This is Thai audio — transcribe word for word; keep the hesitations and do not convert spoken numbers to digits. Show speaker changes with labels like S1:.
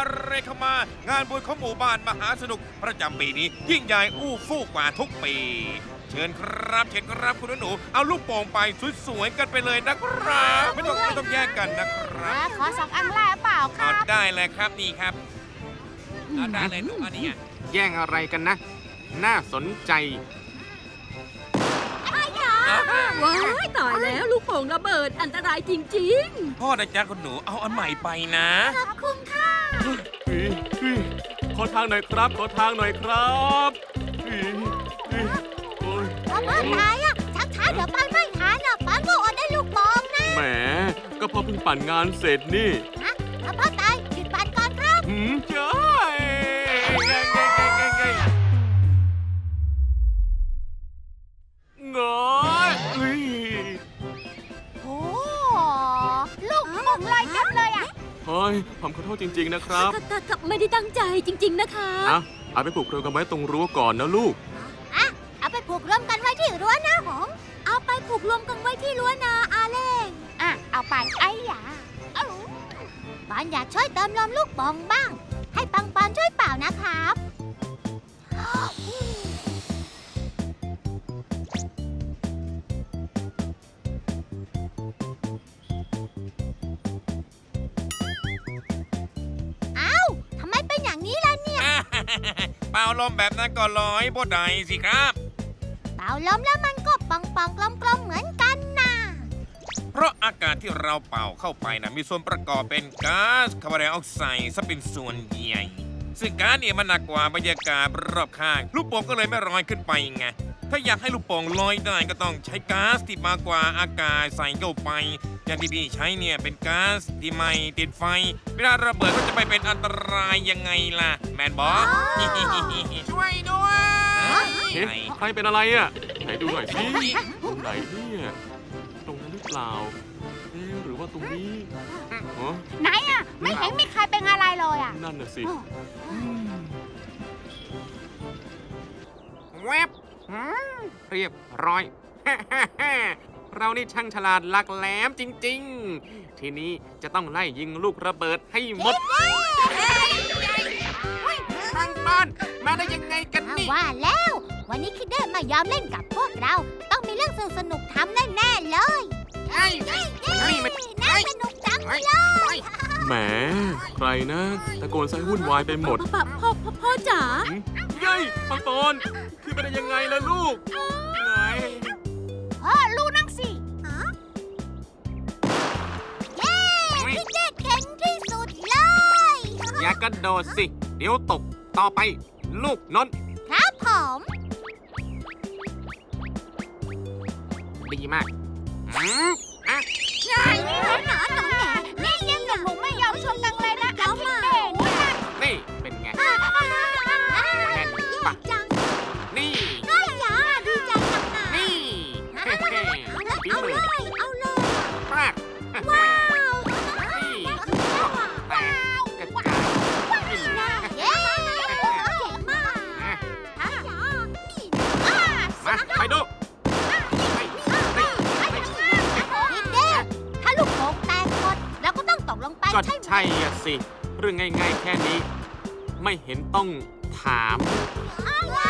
S1: เรเข้ามางานบุญของหมู่บ้านมหาสนุกประจำปีนี้ยิ่งใหญ่อู้ฟู่กว่าทุกปี เชิญครับเชิญครับคุณหนูเอาลูกโป่งไปสวยๆกันไปเลยนะครับไม่ต้องไม่ต้องแยกกันนะครับ
S2: ขอสองอันแรกเปล่าค
S1: เอา
S2: รับ
S1: ได้เลยครับนี่ครับเอาได้เลยลูกอันนี้
S3: แย่งอะไรกันนะ น่าสนใจ
S4: ว้ายตายแล้วลูกโป่งระเบิดอันตรายจริง
S1: พ่อนะจ๊ะคุณหนูเอาอันใหม่ไปนะ
S2: ขอบคุณค่ะ
S3: ขอทางหน่อยครับ ขอทางหน่อยครับโอ้ย
S2: พ่อพ่อนายอะช้าช้าๆเดี๋ยวปันไม่ทันอะปันก็อดได้ลูกบอลนะ
S3: แหม ก็พอเพิ่งปั่นงานเสร็จนี่
S2: ฮะพ่อพ่อตายหยุดปันก่อนครับ
S3: หืมเจ้ยไงไงไงไงไงงอยเอ้ย
S2: โอ้ลูกมุงลอยเต็มเลยอะ
S3: เฮ้ยผมขอโทษจริง ๆ นะค
S4: ๆ
S3: รับ
S4: ถ้าถ้าไม่ได้ตั้งใจจริง ๆ นะคะ
S3: อ่ะเอาไปผูกเรือกันไว้ตรงรั้วก่อนนะลูก
S2: อะเอาไปผูกรวมกันไว้ที่รั้วนะผมเอาไปผูกรวมกันไว้ที่รั้วนาอาเล่งอ่ะเอาไปไอ้หยาเอ้าปันอยากช่วยเติมลมลูกบอลบ้าง ให้ปังปันช่วยเป่านะครับ ทำไมเป็นอย่างนี้ล่ะเนี่ย
S1: เป่าลมแบบนั้นก็ลอยบ่ได้สิครับ
S2: เป่าลมแล้วมันก็ปองปองกลมกลมๆเหมือนกันนะ
S1: เพราะอากาศที่เราเป่าเข้าไปนะมีส่วนประกอบเป็นก๊าซคาร์บอนไดออกไซด์ซะเป็นส่วนใหญ่ ซึ่งก๊าซเนี่ยมันหนักกว่าบรรยากาศรอบข้าง ลูกโป่งก็เลยไม่ลอยขึ้นไปไง ถ้าอยากให้ลูกโป่งลอยได้ก็ต้องใช้ก๊าซที่มากกว่าอากาศใส่เข้าไป อย่างที่พี่ใช้เนี่ยเป็นก๊าซที่ไม่ติดไฟ เวลาระเบิดก็จะไม่เป็นอันตรายยังไงล่ะ แมนบอส
S3: ช่วยด้วย เฮ้
S1: ไหน
S3: ใครเป็นอะไรอ่ะ ไหนดูหน่อยสิ ตรงไหนเนี่ย ตรงนั้นหรือเปล่าเอ๊ะหรือว่าตรงนี้อ๋อ
S2: ไหนอ่ะ ไม่เห็นมีใครเป็นอะไรเลยอ่ะ
S3: นั่นน่ะสิอืม
S5: แวบหืมเรียบร้อย เรานี่ช่างฉลาดหลักแหลมจริง ๆ ทีนี้จะต้องไล่ยิงลูกระเบิดให้หมดทางบ้านมาได้ยังไงกันนี่
S2: ว่าแล้ว วันนี้คิดเดอร์มายอมเล่นกับพวกเรา ต้องมีเรื่องสนุกๆทำแน่ๆเลย
S5: ไอ้นี่มัน
S2: น่าสนุกจัง
S5: ไอ้
S2: เลย
S5: ไอ้
S3: แหม ใครนะตะโกนใส่วุ่นวายไปหมด
S4: พ่อพ่อพ่อพ่อจ๋า
S3: หืมเย้ยปังปอนขึ้นไปได้ยังไงล่ะลูกไง
S2: พ่อรู้นังสิเย้คิดเดอร์เก่งที่สุดเลย
S5: อย่ากระโดดสิ เดี๋ยวตกต่อไป ลูกนนท์
S2: ครับผม
S5: ดีมากหืมอ่ะ
S2: ใช่หนอนหนอนแหนนี่ยังกับผมไม่ยอมชนกันเลยนะเอามาเนี่ย
S5: นี่เป็นไง
S2: แน่น
S5: ปะ
S2: จัง
S5: นี่
S2: ก็อย่าดีใจจังนะ
S5: นี่เฮ้เฮ้ฝี
S2: เอา
S5: มื
S2: เล
S5: อย
S2: เอาเลย
S5: มาก
S2: ว้าว
S5: นี่แตกกระจายนี่
S2: เย้เก่งมาก
S5: อ่ะ
S2: ฮะนี่อ่า
S5: มาไปดูนี่นี่นี่
S2: พี่เด้ถ้าลูกโป่งแตกหมดเราก็ต้องตกลงไป
S5: ก็
S2: ใช่ไหม
S5: ใช่อะสิ เรื่องง่ายๆแค่นี้ ไม่เห็นต้องถาม
S2: อะไร